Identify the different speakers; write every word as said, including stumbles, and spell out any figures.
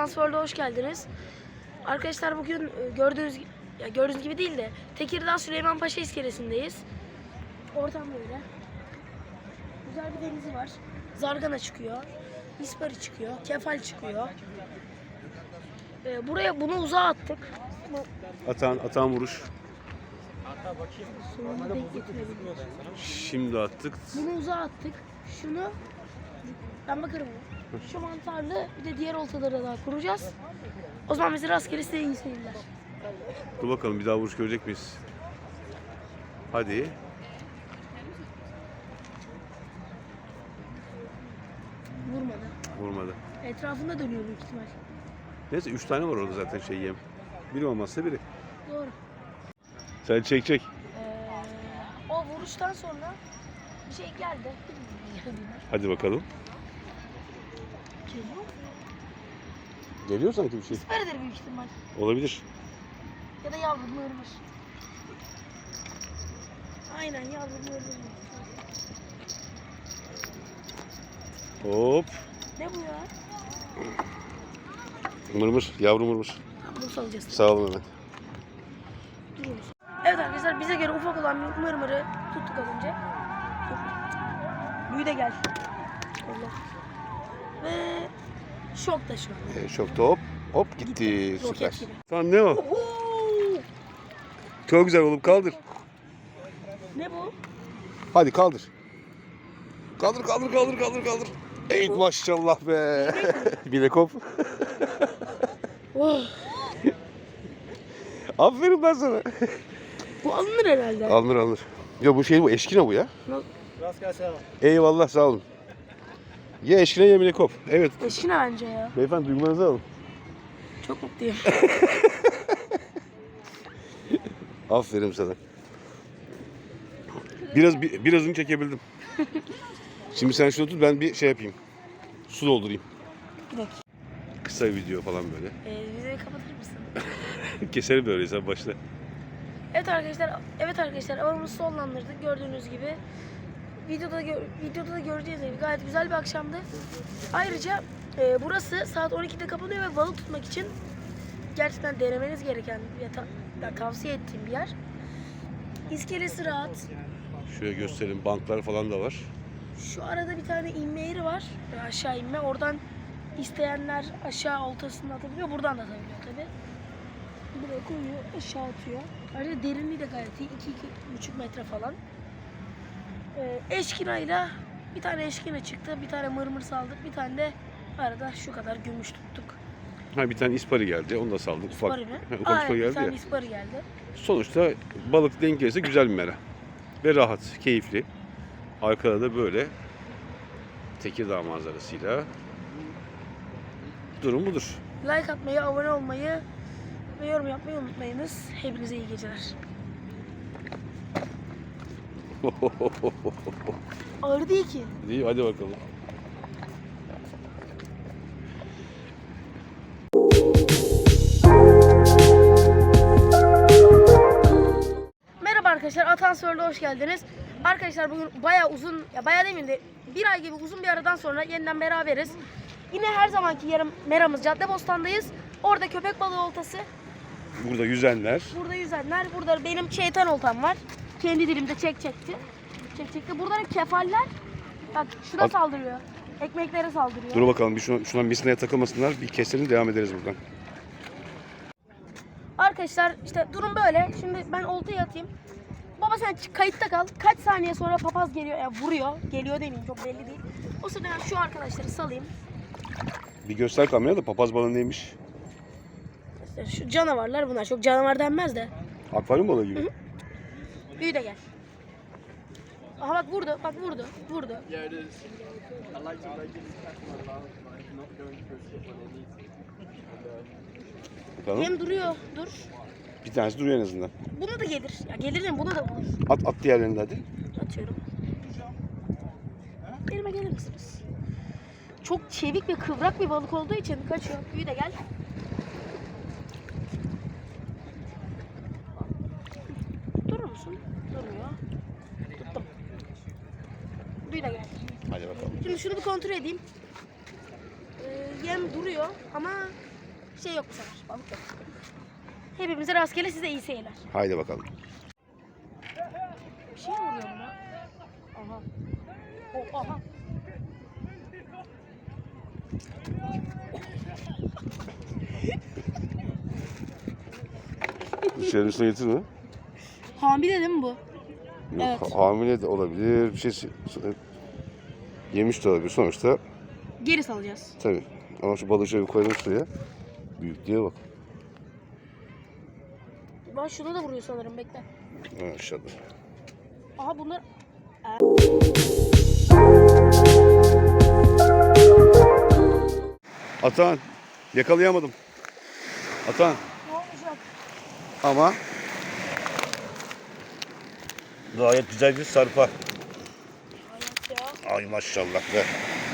Speaker 1: Atansör'de hoş geldiniz. Arkadaşlar bugün gördüğünüz ya gördüğünüz gibi değil de Tekirdağ Süleymanpaşa iskelesindeyiz. Ortam böyle. Güzel bir denizi var. Zargana çıkıyor. İspari çıkıyor. Kefal çıkıyor. Ee, buraya bunu uzağa attık. Bu...
Speaker 2: Atan, atan vuruş.
Speaker 1: Sonunu denk getirebiliriz.
Speaker 2: Şimdi attık.
Speaker 1: Bunu uzağa attık. Şunu ben bakarım. Şu mantarlı bir de diğer oltaları daha kuracağız. O zaman bize rastgele size iyi seyirler.
Speaker 2: Dur bakalım bir daha vuruş görecek miyiz? Hadi.
Speaker 1: Vurmadı.
Speaker 2: Vurmadı.
Speaker 1: Etrafında dönüyor büyük ihtimal.
Speaker 2: Neyse üç tane var orada zaten şey yem. Biri olmazsa biri.
Speaker 1: Doğru.
Speaker 2: Sen çek çek.
Speaker 1: Ee, o vuruştan sonra bir şey geldi.
Speaker 2: Hadi bakalım.
Speaker 1: Geliyor.
Speaker 2: Geliyor sanki bir şey.
Speaker 1: İsparidir büyük ihtimal.
Speaker 2: Olabilir.
Speaker 1: Ya da yavru mırmır. Aynen yavru mırmır.
Speaker 2: Hop.
Speaker 1: Ne bu ya?
Speaker 2: Mırmır. Yavru mırmır.
Speaker 1: Bunu salacağız.
Speaker 2: Sağ olun hemen.
Speaker 1: Duruyoruz. Evet arkadaşlar bize göre ufak olan mırmırı tuttuk az önce. Büyü de gel. Allah. Ve şok da şu an.
Speaker 2: E, şokta hop. Hop gitti.
Speaker 1: Gitti.
Speaker 2: Süper.
Speaker 1: Roket gibi.
Speaker 2: Tamam ne o?
Speaker 1: Oo!
Speaker 2: Çok güzel oğlum kaldır.
Speaker 1: Ne bu?
Speaker 2: Hadi kaldır. Kaldır kaldır kaldır kaldır kaldır. Ey maşallah be. Bilek hop.
Speaker 1: Oh.
Speaker 2: Aferin ben sana.
Speaker 1: Bu alınır herhalde.
Speaker 2: Alınır alınır. Ya bu şey bu eşkine bu ya.
Speaker 3: Rast gelsin.
Speaker 2: Eyvallah sağ olun. Ye eşkine ye bilek hop. Evet.
Speaker 1: Eşkine bence ya.
Speaker 2: Beyefendi duygularınızı alın.
Speaker 1: Çok mutluyum.
Speaker 2: Aferin sana. Biraz bir, birazını çekebildim. Şimdi sen şunu tut ben bir şey yapayım. Su doldurayım.
Speaker 1: Bir dakika.
Speaker 2: Kısa bir video falan böyle.
Speaker 1: Ee, videoyu kapatır mısın?
Speaker 2: Keselim böyle sen başla.
Speaker 1: Evet arkadaşlar, evet arkadaşlar avımızı sonlandırdık gördüğünüz gibi. Videoda gö videoda da göreceğiniz gibi gayet güzel bir akşamdı. Ayrıca e, burası saat on ikide kapanıyor ve balık tutmak için gerçekten denemeniz gereken ve ta ya, tavsiye ettiğim bir yer. İskelesi rahat.
Speaker 2: Şöyle gösterelim banklar falan da var.
Speaker 1: Şu arada bir tane inme yeri var. Yani aşağı inme. Oradan isteyenler aşağı oltasını atabiliyor. Buradan da atabiliyor tabi. Buraya koyuyor, aşağı atıyor. Ayrıca derinliği de gayet iyi. iki iki buçuk metre falan. Ee, eşkinayla bir tane eşkina çıktı. Bir tane mırmır saldık. Bir tane de arada şu kadar gümüş tuttuk.
Speaker 2: Ha bir tane ispari geldi. Onu da saldık. Ufak.
Speaker 1: İspari mi?
Speaker 2: Ha, ufak
Speaker 1: Aa,
Speaker 2: ispari
Speaker 1: evet, bir
Speaker 2: geldi
Speaker 1: tane
Speaker 2: ya.
Speaker 1: ispari geldi.
Speaker 2: Sonuçta balık denk gelirse güzel bir mera. Ve rahat, keyifli. Arkada da böyle Tekirdağ manzarasıyla durum budur.
Speaker 1: Like atmayı, abone olmayı ve yorum yapmayı unutmayınız. Hepinize iyi geceler. Ağır değil ki.
Speaker 2: İyi hadi bakalım.
Speaker 1: Merhaba arkadaşlar, Atansör'de hoş geldiniz. Arkadaşlar bugün bayağı uzun, ya bayağı demeyeyim de bir ay gibi uzun bir aradan sonra yeniden beraberiz. Yine her zamanki yarım meramız Caddebostan'dayız. Orada köpek balığı oltası,
Speaker 2: Burada yüzenler.
Speaker 1: burada yüzenler, burada benim şeytan oltam var. Kendi dilimde çek çekti. Çek çekti. Burada da kefaller, bak şuna
Speaker 2: Al.
Speaker 1: saldırıyor. Ekmeklere saldırıyor.
Speaker 2: Dur bakalım bir şuna, şuna misineye takılmasınlar. Bir keselim devam ederiz buradan.
Speaker 1: Arkadaşlar işte durum böyle. Şimdi ben oltayı atayım. Baba sen kayıtta kal. Kaç saniye sonra papaz geliyor, yani vuruyor. Geliyor demeyeyim, çok belli değil. O sırada ben şu arkadaşları salayım.
Speaker 2: Bir göster kameraya da papaz balığı neymiş?
Speaker 1: İşte şu canavarlar bunlar. Çok canavar denmez de.
Speaker 2: Akvaryum balığı gibi.
Speaker 1: Hı hı. Büyü de gel. Aha bak vurdu, bak vurdu, vurdu.
Speaker 3: Yeah, it is. I like to like this customer about like not going to skip when they need to.
Speaker 2: Bakalım.
Speaker 1: Hem duruyor, dur.
Speaker 2: Bir tanesi duruyor en azından.
Speaker 1: Buna da gelir. Ya gelir de buna da vurur.
Speaker 2: At at diğerlerini de hadi.
Speaker 1: Atıyorum. Elime gelir misiniz? Çok çevik ve kıvrak bir balık olduğu için kaçıyor. Büyü de gel. Durur musun? Durmuyor. Tuttum. Büyü de gel.
Speaker 2: Hadi bakalım.
Speaker 1: Şimdi şunu bir kontrol edeyim. Ee, yem duruyor ama Şey yok bu sefer. Balık yok. Hepimize rastgele, size iyi seyirler.
Speaker 2: Haydi bakalım.
Speaker 1: Bir şey mi vuruyor buna? Aha. O, aha.
Speaker 2: Dışarı üstüne getirme.
Speaker 1: Hamile değil mi bu?
Speaker 2: Yok,
Speaker 1: Evet.
Speaker 2: ha- hamile de olabilir. Bir şey s- s- yemiş de olabilir. Sonuçta
Speaker 1: Geri salacağız.
Speaker 2: tabii. Ama şu balığı şöyle koyalım suya. Büyüklüğe bak.
Speaker 1: Ben şuna da vuruyor sanırım, bekle.
Speaker 2: Ha, aşağıda.
Speaker 1: Aha bunlar...
Speaker 2: Atan. Yakalayamadım. Atan.
Speaker 1: Ne olacak?
Speaker 2: Ama gayet güzel bir sarpa.
Speaker 1: Hayat ya.
Speaker 2: Ay maşallah be.